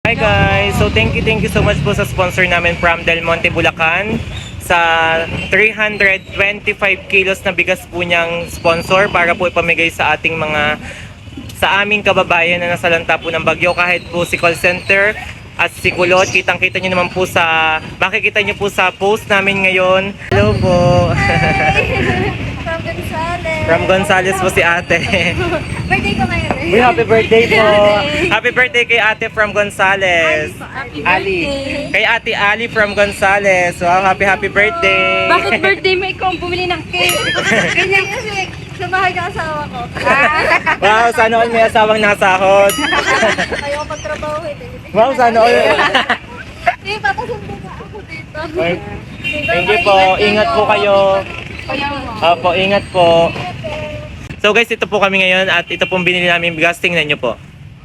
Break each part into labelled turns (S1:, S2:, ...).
S1: Hi guys! So thank you so much po sa sponsor namin from Del Monte, Bulacan. Sa 325 kilos na bigas po niyang sponsor para po ipamigay sa ating sa aming kababayan na nasalanta po ng bagyo. Kahit po si call center at si Kulot, kitang-kita nyo naman po makikita nyo po sa post namin ngayon. Hello po!
S2: From Gonzales.
S1: From Gonzales po si ate.
S2: Birthday ko ngayon eh.
S1: Uy, happy birthday po! Happy birthday kay ate from Gonzales.
S2: Happy
S1: Ali.
S2: birthday.
S1: Kay ate Ali from Gonzales. Wow, happy birthday!
S2: Bakit birthday mo ikaw ang bumili ng cake? Ganyan kasi sa bahay ng asawa ko.
S1: Wow, sana all may asawang nasahod.
S2: Ayaw magtrabaho eh.
S1: Wow, sana all.
S2: Hindi, papasundo na ako dito.
S1: Thank you po. Ingat po kayo. Opo, ingat po. So guys, ito po kami ngayon at ito pong binili namin bigas. Tingnan nyo po.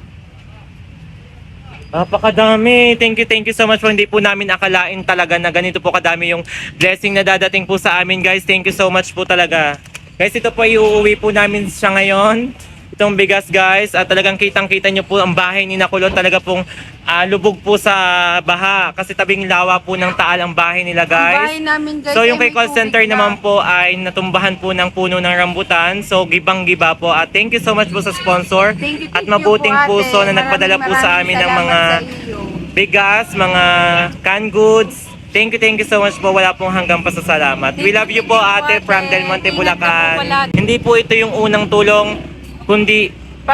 S1: Napakadami. Thank you so much po. Hindi po namin akalain talaga na ganito po kadami yung blessing na dadating po sa amin guys. Thank you so much po talaga. Guys, ito po iuuwi po namin siya ngayon. Itong bigas guys, at talagang kitang-kita nyo po ang bahay ni Nakulot, talaga pong lubog po sa baha kasi tabing lawa po ng Taal ang bahay nila guys.
S2: namin guys.
S1: So yung kay call center naman po ay natumbahan po ng puno ng rambutan. So gibang-giba po at thank you so much po sa sponsor at mabuting puso na nagpadala po sa amin ng mga bigas, mga canned goods. Thank you so much po. Wala pong hanggang pasasalamat. We love you po ate from Del Monte, Bulacan. Hindi po ito yung unang tulong, kundi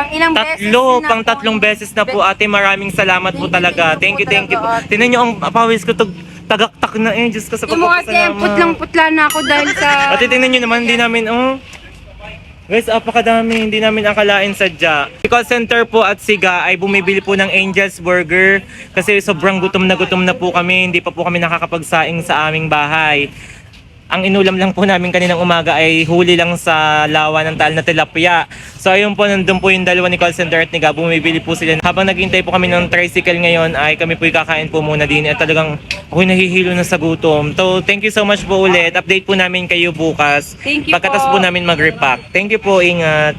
S1: tatlong beses na po ate. Maraming salamat po talaga. Thank you po. Tingnan nyo ang pawis ko tagaktak na eh. Diyos ko sa pagpapasalamat.
S2: Putlang-putla na ako dahil sa...
S1: Ate tingnan nyo naman, hindi namin guys, apakadami, hindi namin akalain sadya. Si call center po at Siga ay bumibili po ng Angel's Burger kasi sobrang gutom na po kami, hindi pa po kami nakakapagsaing sa aming bahay. Ang inulam lang po namin kaninang umaga ay huli lang sa lawa ng Taal na tilapia. So ayun po, nandun po yung dalawa ni call center at ni Gab, bumibili po sila. Habang naghihintay po kami ng tricycle ngayon ay kami po kakain po muna din at talagang ako'y nahihilo na sa gutom. So thank you so much po ulit. Update po namin kayo bukas.
S2: Thank you
S1: pagkatas
S2: po.
S1: po namin mag-repack. Thank you po, ingat.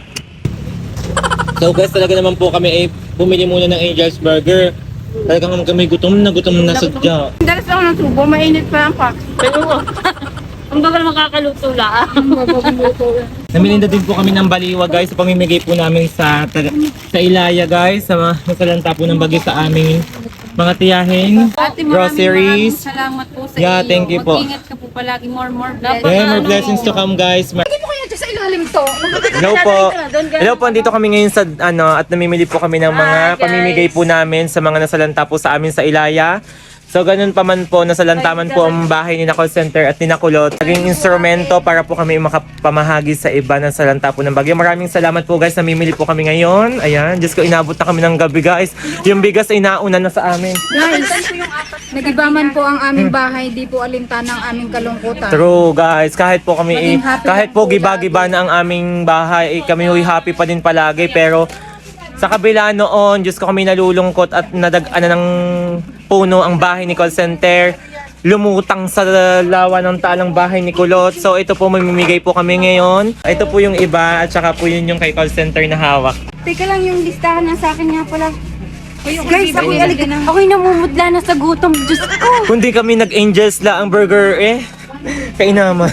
S1: So guys, talaga naman po kami ay bumili muna ng Angel's Burger. Talagang kami gutom na sadya.
S2: Dalas ako ng tubo, mainit pa ang pak.
S3: Pero, ang bagal makakaluto lang.
S1: Namilinda din po kami ng baliwa guys sa pamimigay po namin sa Ilaya guys, sa nasalanta po ng bagyo sa aming mga tiyahin, groceries.
S2: Salamat po sa
S1: Yeah,
S2: iyo.
S1: thank you po.
S2: Mag-ingat ka po palagi. More
S3: Dapat
S1: Yeah, more blessings to come guys.
S2: Hindi mo kaya dyan sa ilalim to.
S1: Hello po. Hello po, andito kami ngayon sa at namimili po kami ng mga pamimigay po namin sa mga nasalanta po sa amin sa Ilaya. So ganun pa man po, nasalantaman po ang bahay ni call center at ni Nakulot. Naging instrumento para po kami makapamahagi sa iba ng salanta po ng bagyo. Maraming salamat po guys, namimili po kami ngayon. Ayan, Diyos ko, inabot na kami ng gabi guys. Yung bigas ay nauna na sa amin.
S2: Guys, nagibaman po ang aming bahay. Di po alintan ang aming kalungkutan.
S1: True guys, kahit po kami,
S2: Maging happy
S1: kahit
S2: lang
S1: po
S2: po
S1: giba-giba na ang aming bahay, kami huy happy pa din palagi. Pero sa kabila noon, Diyos ko, kami nalulungkot at nadagana ng puno ang bahay ni call center. Lumutang sa lawa ng Taal ang bahay ni Kulot. So ito po, mamimigay po kami ngayon. Ito po yung iba at saka po yun yung kay call center na hawak.
S2: Teka lang, yung listahan na sa akin nga pala. Guys, ako'y namumudla na sa gutom. Diyos ko.
S1: Kundi kami nag-Angels la ang burger kainaman.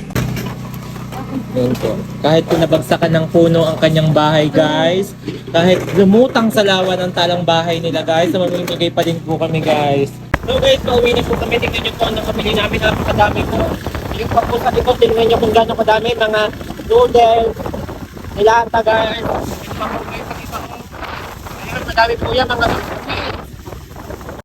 S1: Yun po. Kahit pinabagsakan ng puno ang kanyang bahay guys, kahit lumutang sa lawa ng Talang bahay nila guys, so mamimigay pa din po kami guys. So guys, pauwi na po kami. Tingnan nyo po ang nakabili namin. Napakadami po. Yung pa po sa likod, tingnan nyo kung gano'ng kadami. Mga noodles, nilata guys. Ayun, madami po yan. Mga